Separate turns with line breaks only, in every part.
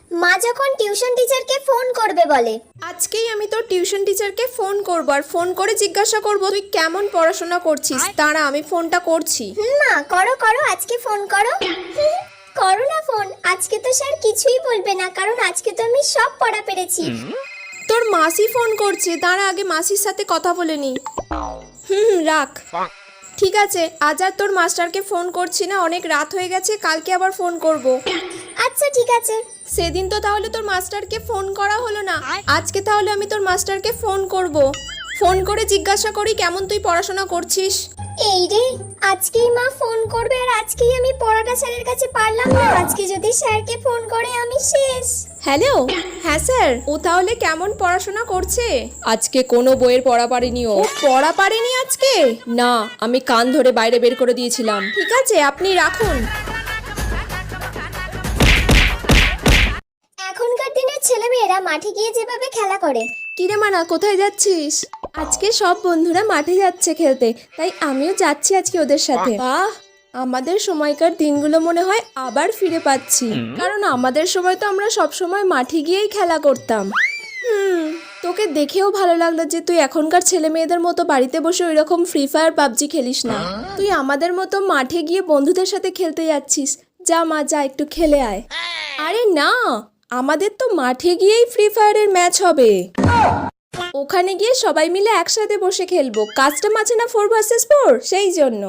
মা যখন টিউশন টিচারকে ফোন করবে বলে।
আজকেই আমি তোর টিউশন টিচারকে ফোন করব আর ফোন করে জিজ্ঞাসা করব তুই কেমন পড়াশোনা করছিস। দাঁড়া আমি ফোনটা করছি।
মা করো করো, আজকে ফোন করো। করো না ফোন, আজকে তো স্যার কিছুই বলবে না, কারণ আজকে তো আমি সব পড়া পেরেছি।
তোর মাসি ফোন করছে, দাঁড়া আগে মাসির সাথে কথা বলে নি। রাখ। ঠিক আছে, আজ আর তোর মাস্টারকে ফোন করছি না, অনেক রাত হয়ে গেছে, কালকে আবার ফোন করব।
আচ্ছা ঠিক আছে।
সেদিন তো তাহলে তোর মাস্টারকে ফোন করা হলো না, আজকে তাহলে আমি তোর মাস্টারকে ফোন করব। ফোন করে জিজ্ঞাসা করি কেমন তুই পড়াশোনা করছিস।
এই রে, আজকেই মা ফোন করবে আর আজকেই আমি পড়াটা স্যারের কাছে পারলাম না। আজকে যদি স্যারকে ফোন করে আমি শেষ।
হ্যালো, হ্যাঁ স্যার, ও তাহলে কেমন পড়াশোনা করছে? আজকে কোনো বইয়ের পড়া পারেনি। ও পড়া পারেনি আজকে? না, আমি কান ধরে বাইরে বের করে দিয়েছিলাম। ঠিক আছে, আপনি রাখুন।
এখনকার দিনের ছেলেমেয়েরা মাঠে গিয়ে যেভাবে খেলা করে।
কিরে মানা, কোথায় যাচ্ছিস? আজকে সব বন্ধুরা মাঠে যাচ্ছে খেলতে, তাই আমিও যাচ্ছি আজকে ওদের সাথে। বাহ, আমাদের সময়কার দিনগুলো মনে হয় আবার ফিরে পাচ্ছি, কারণ আমাদের সময় তো আমরা সব সময় মাঠে গিয়েই খেলা করতাম। তোকে দেখেও ভালো লাগলো যে তুই এখনকার ছেলে মেয়েদের মতো বাড়িতে বসে ওই রকম ফ্রি ফায়ার পাবজি খেলিস না। তুই আমাদের মতো মাঠে গিয়ে বন্ধুদের সাথে খেলতে যাচ্ছিস। যা মা, যা একটু খেলে আয়। আরে না, আমাদের তো মাঠে গিয়েই ফ্রি ফায়ারের ম্যাচ হবে। ওখানে গিয়ে সবাই মিলে একসাথে বসে খেলবো। কাস্টম আছে না 4 vs 4, সেই জন্য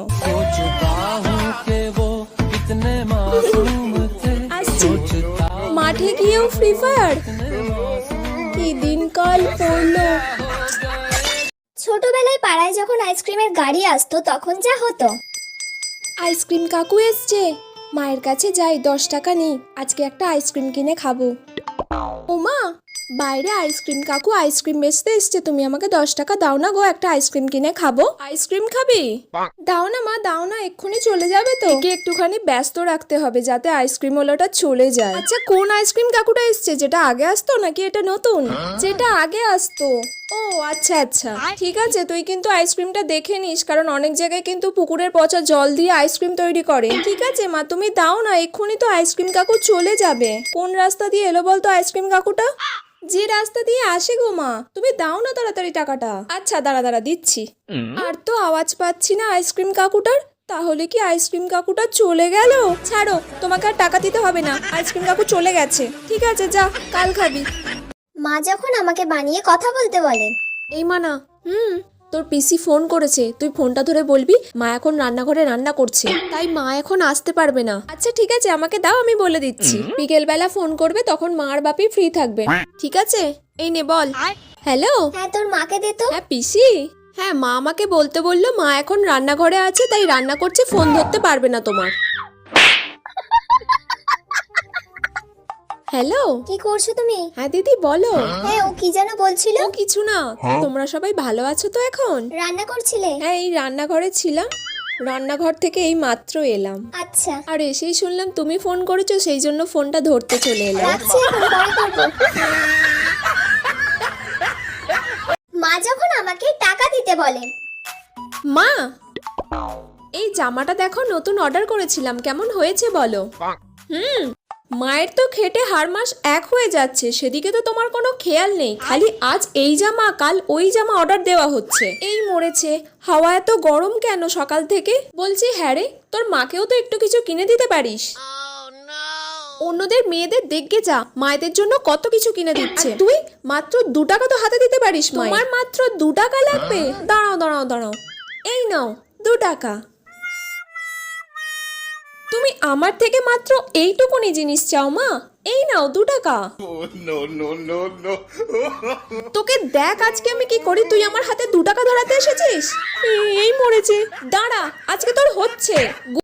আসছি। মাঠে গিয়েও ফ্রি ফায়ার, কি দিনকাল পড়লো।
ছোটবেলায় পাড়ায় যখন আইসক্রিমের গাড়ি আসতো তখন যা হতো।
আইসক্রিম কাকু এসছে, মায়ের কাছে যাই, 10 টাকা নেই, আজকে একটা আইসক্রিম কিনে খাবো। ওমা, বাইরে আইসক্রিম কাকু আইসক্রিম বেচতে এসছে, তুমি আমাকে 10 টাকা দাও না গো, একটা আইসক্রিম কিনে খাবো। আইসক্রিম খাবি? দাও না মা, দাও না, এক্ষুনি চলে যাবে তো। একে একটুখানি ব্যস্ত রাখতে হবে যাতে আইসক্রিম ওলাটা চলে যায়। আচ্ছা, কোন আইসক্রিম কাকুটা এসছে? যেটা আগে আসতো নাকি এটা নতুন? যেটা আগে আসতো। ও আচ্ছা আচ্ছা, ঠিক আছে, তুই কিন্তু আইসক্রিমটা দেখে নিস, কারণ অনেক জায়গায় কিন্তু পুকুরের পচা জল দিয়ে আইসক্রিম তৈরি করে। ঠিক আছে মা, তুমি দাও না, এক্ষুনি তো আইসক্রিম কাকু চলে যাবে। কোন রাস্তা দিয়ে এলো বলতো আইসক্রিম কাকুটা? যে রাস্তা দিয়ে আসে গো মা, তুমি দাও না তাড়াতাড়ি টাকাটা। আচ্ছা দাঁড়া দাঁড়া, দিচ্ছি। আর তো আওয়াজ পাচ্ছি না আইসক্রিম কাকুটার, তাহলে কি আইসক্রিম কাকুটা চলে গেল? ছাড়ো, তোমাকে আর টাকা দিতে হবে না, আইসক্রিম কাকু চলে গেছে। ঠিক আছে, যা, কাল খাবি।
মা যখন আমাকে বানিয়ে কথা বলতে বলে।
এই মানা, তোর পিসি ফোন করেছে, তুই ফোনটা ধরে বলবি মা এখন রান্নাঘরে রান্না করছে, তাই মা এখন আসতে পারবে না। আচ্ছা ঠিক আছে, আমাকে দাও, আমি বলে দিচ্ছি। বিকেল বেলা ফোন করবে, তখন মা আর বাপি ফ্রি থাকবে। ঠিক আছে, এই নে বল। হ্যালো।
হ্যাঁ, তোর মাকে দে তো।
হ্যাঁ পিসি, হ্যাঁ মা আমাকে বলতে বললো মা এখন রান্নাঘরে আছে, তাই রান্না করছে, ফোন ধরতে পারবে না তোমার। হ্যালো।
কি করছো তুমি?
হ্যাঁ দিদি বলো।
হ্যাঁ, ও কি যেন বলছিল?
ও কিছু না, তোমরা সবাই ভালো আছো তো এখন?
রান্না করছিলে?
হ্যাঁ, এই রান্নাঘরে ছিলাম, রান্নাঘর থেকে এই মাত্র এলাম।
আচ্ছা।
আর এসেই শুনলাম তুমি ফোন করেছো, সেই জন্য ফোনটা ধরতে চলে এলাম।
রাখছি, এখন পরে করবো। মা যখন আমাকে টাকা দিতে বলে।
মা, এই জামাটা দেখো, নতুন অর্ডার করেছিলাম, কেমন হয়েছে বলো? মায়ের তো খেটে হার মাস এক হয়ে যাচ্ছে, সেদিকে তো তোমার কোনো খেয়াল নেই, খালি আজ এই জামা কাল ওই জামা অর্ডার দেওয়া হচ্ছে। এই মরেছে, হাওয়া এত গরম কেন সকাল থেকে? বলছি হ্যাঁ রে, তোর মাকেও তো একটু কিছু কিনে দিতে পারিস। অন্যদের মেয়েদের দেখে যা, মায়েদের জন্য কত কিছু কিনে দিচ্ছে, তুই মাত্র 2 টাকা তো হাতে দিতে পারিস। তোমার মাত্র 2 টাকা লাগবে? দাঁড়াও দাঁড়াও দাঁড়াও, এই নাও 2 টাকা। তুমি আমার থেকে মাত্র এইটুকুনি জিনিস চাও মা? এই নাও 2 টাকা। তোকে দেখ আজকে আমি কি করি, তুই আমার হাতে 2 টাকা ধরাতে এসেছিস। এই মরেছে, দাঁড়া, আজকে তোর হচ্ছে।